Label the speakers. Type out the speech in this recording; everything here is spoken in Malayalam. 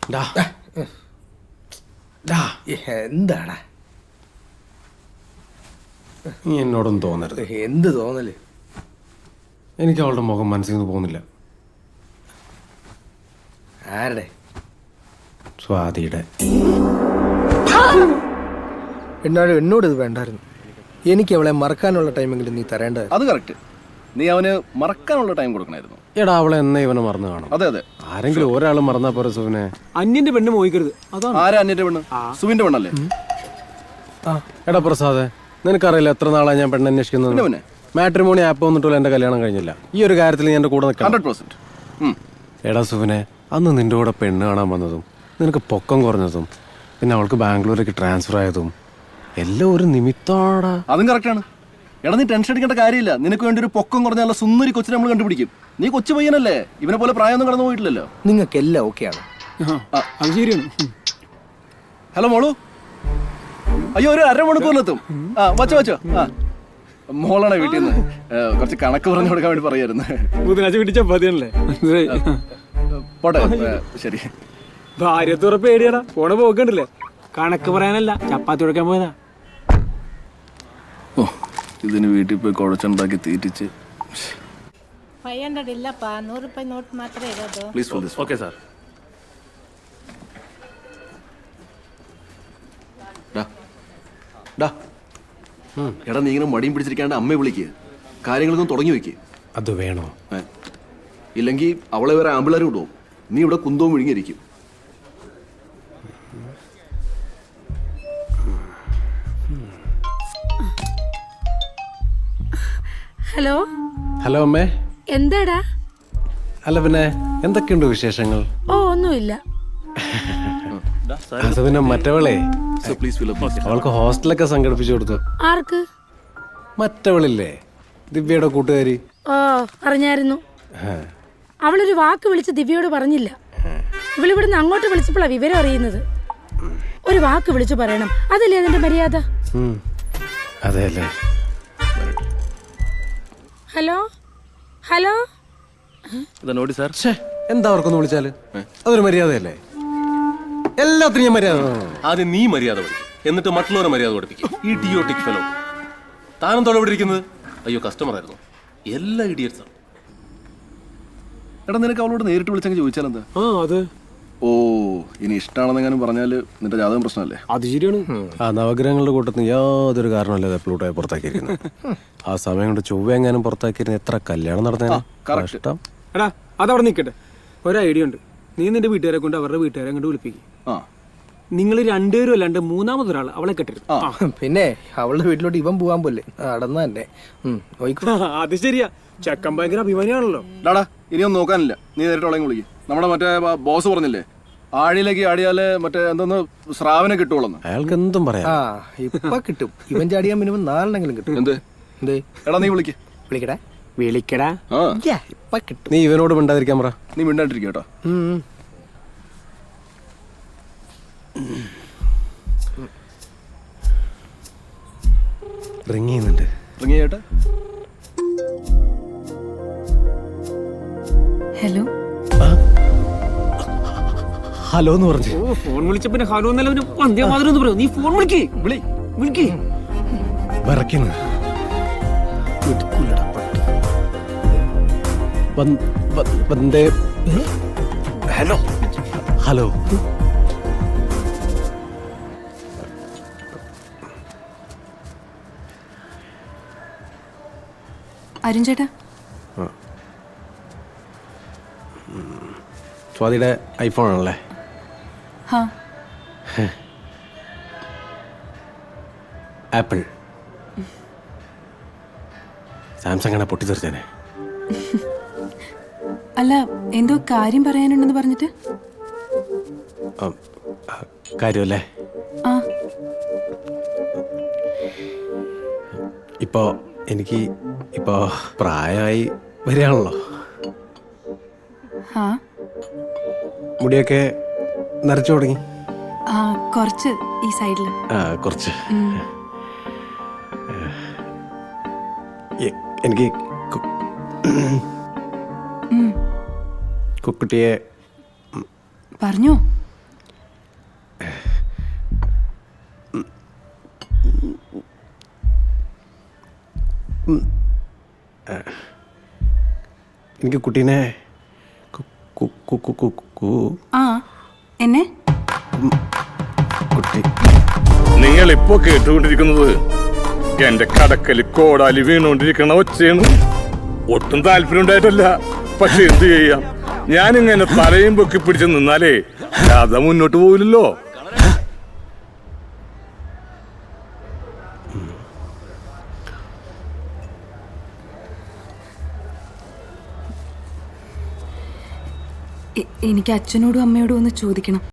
Speaker 1: എന്താടാ
Speaker 2: നീ എന്നോടൊന്നും തോന്നരുത്.
Speaker 1: എന്ത് തോന്നല്?
Speaker 2: എനിക്ക് അവളുടെ മുഖം മനസ്സിൽ നിന്ന് പോകുന്നില്ല.
Speaker 1: ആരുടെ?
Speaker 2: സ്വാതിയുടെ.
Speaker 1: എന്നോട് ഇത് വേണ്ടായിരുന്നു. എനിക്ക് അവളെ മറക്കാനുള്ള ടൈമെങ്കിലും നീ തരേണ്ടത്.
Speaker 3: അത് കറക്റ്റ്. നീ അവന് മറക്കാനുള്ള ടൈം കൊടുക്കണമായിരുന്നു.
Speaker 2: എടാ അവളെ എന്നാ ഇവനെ മറന്നു കാണും.
Speaker 3: അതെ അതെ,
Speaker 2: ആരെങ്കിലും ഒരാൾ മറന്നാ പോരെ സുവിനെ.
Speaker 4: അന്യന്റെ പെണ്ണ് മോഹിക്കരുത്. അതാണ്.
Speaker 3: ആരാ അന്യന്റെ പെണ്ണ്? സുവിന്റെ പെണ്ണല്ലേ?
Speaker 2: എടാ പ്രസാദേ, നിനക്കറിയില്ല എത്ര നാളാ ഞാൻ പെണ്ണ് അന്വേഷിക്കുന്നത്.
Speaker 3: പിന്നെ
Speaker 2: മാട്രിമോണി ആപ്പ് വന്നിട്ടുള്ള എന്റെ കല്യാണം കഴിഞ്ഞില്ല. ഈ ഒരു കാര്യത്തിൽ ഞാൻ എന്റെ കൂടെ നിൽക്കണം.
Speaker 3: 100%.
Speaker 2: എടാ സുവിനെ, അന്ന് നിന്റെ കൂടെ പെണ്ണ് കാണാൻ വന്നതും നിനക്ക് പൊക്കം കുറഞ്ഞതും പിന്നെ അവൾക്ക് ബാംഗ്ലൂരേക്ക് ട്രാൻസ്ഫർ ആയതും എല്ലാം ഒരു നിമിത്താടാ.
Speaker 3: അതും കറക്റ്റാണ്. എടാ നീ ടെൻഷൻ അടിക്കേണ്ട കാര്യമില്ല. നിനക്ക് വേണ്ടി ഒരു പൊക്കം കുറഞ്ഞ നല്ല സുന്ദരി കൊച്ചിനെ നമ്മൾ കണ്ടുപിടിക്കും. നീ കൊച്ചു പയ്യനല്ലേ, ഇവനെ പോലെ പ്രായമൊന്നും കടന്നു പോയിട്ടില്ലല്ലോ.
Speaker 1: നിങ്ങൾക്കെല്ലാം ഓക്കെയാണ്.
Speaker 4: അത് ശരിയാണ്.
Speaker 3: ഹലോ മോളു, അയ്യോ ഒരു അരമണിക്കൂറിലെത്തും. വച്ചോ. മോളാണ് വീട്ടിൽ നിന്ന് കുറച്ച് കണക്ക് പറഞ്ഞു കൊടുക്കാൻ വേണ്ടി പറയായിരുന്നു.
Speaker 4: ബുധനാഴ്ച വീട്ടിൽ ചപ്പാത്തിയാണല്ലേ?
Speaker 3: പോട്ടെ, ശരി.
Speaker 4: ഭാര്യത്തുറ പേടിയാടാ, പോണ പോക്കണ്ടില്ലേ? കണക്ക് പറയാനല്ല, ചപ്പാത്തി കൊടുക്കാൻ പോയതാ.
Speaker 3: ഓ, ഇതിന് വീട്ടിൽ പോയി കുഴച്ചുണ്ടാക്കി തീറ്റിച്ച്.
Speaker 5: 500 ಇಲ್ಲಪ್ಪ, 100 ರೂಪಾಯಿ ನೋಟ್ ಮಾತ್ರ ಇರೋದು.
Speaker 3: Please for this.
Speaker 6: Okay sir.
Speaker 3: എടാ നീ ഇങ്ങനെ മടിയും പിടിച്ചിരിക്കാണ്ട് അമ്മയെ വിളിക്കുക, കാര്യങ്ങളൊന്നും തുടങ്ങി വെക്കുക.
Speaker 2: അത് വേണോ?
Speaker 3: ഇല്ലെങ്കിൽ അവളെ വേറെ ആമ്പിളർ വിടുവോ? നീ ഇവിടെ കുന്തവും വിഴുങ്ങിയിരിക്കും.
Speaker 7: ഹലോ
Speaker 2: ഹലോ അമ്മേ.
Speaker 7: എന്താടാ?
Speaker 2: അല്ല പിന്നെ എന്തൊക്കെയുണ്ട് വിശേഷങ്ങൾ?
Speaker 7: ഓ ഒന്നുമില്ല.
Speaker 2: അത് പിന്നെ മറ്റവളെ അവൾക്ക് ഹോസ്റ്റലൊക്കെ സംഘടിപ്പിച്ചു കൊടുത്തു.
Speaker 7: ആർക്ക്?
Speaker 2: മറ്റവളില്ലേ, ദിവ്യയുടെ കൂട്ടുകാരി.
Speaker 7: ഓ അറിഞ്ഞായിരുന്നു. അവളൊരു വാക്ക് വിളിച്ച് ദിവ്യയോട് പറഞ്ഞില്ല. ഇവളിവിടുന്ന് അങ്ങോട്ട് വിളിച്ചപ്പോഴാണ് വിവരം അറിയുന്നത്. ഒരു വാക്ക് വിളിച്ചു പറയണം, അതല്ലേ അതിന്റെ മര്യാദ.
Speaker 2: അതെ അല്ലേ?
Speaker 7: Hello hello.
Speaker 2: എന്താ അവർക്കൊന്ന് വിളിച്ചാല് അതൊരു മര്യാദയല്ലേ? എല്ലാത്തിനും ഞാൻ മര്യാദ.
Speaker 6: ആദ്യം നീ മര്യാദ പഠിക്കും, എന്നിട്ട് മറ്റുള്ളവരെ മര്യാദ പഠിപ്പിക്കും. ഈ ഇഡിയോട്ടിക് ഫെലോ. താനും തൊഴിൽ ഇരിക്കുന്നത്. അയ്യോ കസ്റ്റമർ ആയിരുന്നു. എല്ലാ ഇഡിയറ്റ്സാണ്.
Speaker 3: എടാ നിനക്ക് അവളോട് നേരിട്ട് വിളിച്ചെങ്കിൽ ചോദിച്ചാലെന്താ?
Speaker 4: അത്
Speaker 3: ഓ, ഇനി ഇഷ്ടമാണെന്നെങ്ങാനും പറഞ്ഞാല് നിന്റെ ജാതകം പ്രശ്നമല്ലേ?
Speaker 4: അത് ശരിയാണ്.
Speaker 2: ആ നവഗ്രഹങ്ങളുടെ കൂട്ടത്തിൽ യാതൊരു കാരണമല്ലേ പ്ലൂട്ടോയെ പുറത്താക്കിയിരിക്കുന്നത്. ആ സമയം കൊണ്ട് ചൊവ്വ എങ്ങാനും പുറത്താക്കിയിരുന്ന എത്ര കല്യാണം നടന്നേനെ. കഷ്ടം.
Speaker 4: എടാ അതവിടെ നിൽക്കട്ടെ. ഒരു ഐഡിയ ഉണ്ട്. നീ നിന്റെ വീട്ടുകാരെ കൊണ്ട് അവരുടെ വീട്ടുകാരെ അങ്ങോട്ട് വിളിപ്പിക്കും. നിങ്ങൾ രണ്ടുപേരും അല്ലാണ്ട് മൂന്നാമതൊരാൾ അവളെ കെട്ടരുത്.
Speaker 1: പിന്നെ അവളുടെ വീട്ടിലോട്ട് ഇവൻ പോകാൻ പോലെ നടന്ന തന്നെ.
Speaker 4: അത് ശരിയാ. ചെക്കൻ ഭയങ്കര അഭിമാനിയാണല്ലോ.
Speaker 3: ഡാടാ ഇനിയൊന്നും നോക്കാനില്ല, നീ നേരിട്ട് അവളെ വിളിക്കും. നമ്മുടെ മറ്റേ ബോസ് പറഞ്ഞില്ലേ, ആഴിയിലേക്ക് ആടിയാല് മറ്റേ എന്തൊന്ന് സ്രാവിനെ കിട്ടുള്ളൂ.
Speaker 2: അയാൾക്ക് എന്തും പറയാം.
Speaker 1: ഇപ്പൊ കിട്ടും. ഇവൻ ചാടിയാൻ മിനിമം 4 കിട്ടും.
Speaker 3: എന്ത്? എടാ നീ
Speaker 1: വിളിക്കടാ.
Speaker 3: ഇപ്പൊ കിട്ടും.
Speaker 2: നീ ഇവനോട് മിണ്ടാതിരിക്കാൻ പറ.
Speaker 3: നീ മിണ്ടാണ്ടിരിക്കുക കേട്ടോ.
Speaker 2: റിങ് ചെയ്യുന്നുണ്ട്.
Speaker 3: റിങ് ചെയ്യട്ടെ.
Speaker 7: ഹലോ
Speaker 2: ഹലോ എന്ന് പറഞ്ഞു.
Speaker 4: ഫോൺ വിളിച്ചപ്പോ ഹലോ എന്നല്ല വന്ധ്യമാതരം എന്ന് പറയൂ. നീ ഫോൺ വിളിക്കേ.
Speaker 2: വിറയ്ക്കുന്നു. Hello hello.
Speaker 7: അരുൺ ചേട്ടാ,
Speaker 2: സ്വാതിയുടെ ഐഫോൺ ആണല്ലേ? ആപ്പിൾ. സാംസങ് ആണ് പൊട്ടിത്തെറിച്ചേനെ.
Speaker 7: അല്ല എന്തോ കാര്യം പറയാനുണ്ടെന്ന് പറഞ്ഞിട്ട്.
Speaker 2: കാര്യമല്ലേ? ഇപ്പോ എനിക്ക് ഇപ്പോ പ്രായമായി വരികയാണല്ലോ. മുടിയൊക്കെ നരച്ചു തുടങ്ങി.
Speaker 7: കുറച്ച് ഈ സൈഡിൽ.
Speaker 2: കുറച്ച്. എനിക്ക് കുക്കുട്ടിയെ
Speaker 7: പറഞ്ഞോ.
Speaker 2: എനിക്ക് കുട്ടീനെ
Speaker 8: ആ എന്നെ
Speaker 2: കുട്ടി
Speaker 9: നിങ്ങൾ ഇപ്പോ കേട്ടുകൊണ്ടിരിക്കുന്നത് എന്റെ കടക്കല് കോടാലി വീണുകൊണ്ടിരിക്കണ ഒച്ചയാണ്. ഒട്ടും താല്പര്യം ഉണ്ടായിട്ടല്ല, പക്ഷെ എന്ത് ചെയ്യാം, ഞാനിങ്ങനെ തലയും പൊക്കി പിടിച്ച് നിന്നാലേ കഥ മുന്നോട്ട് പോവില്ലല്ലോ.
Speaker 8: എനിക്ക് അച്ഛനോടും അമ്മയോടും ഒന്ന് ചോദിക്കണം.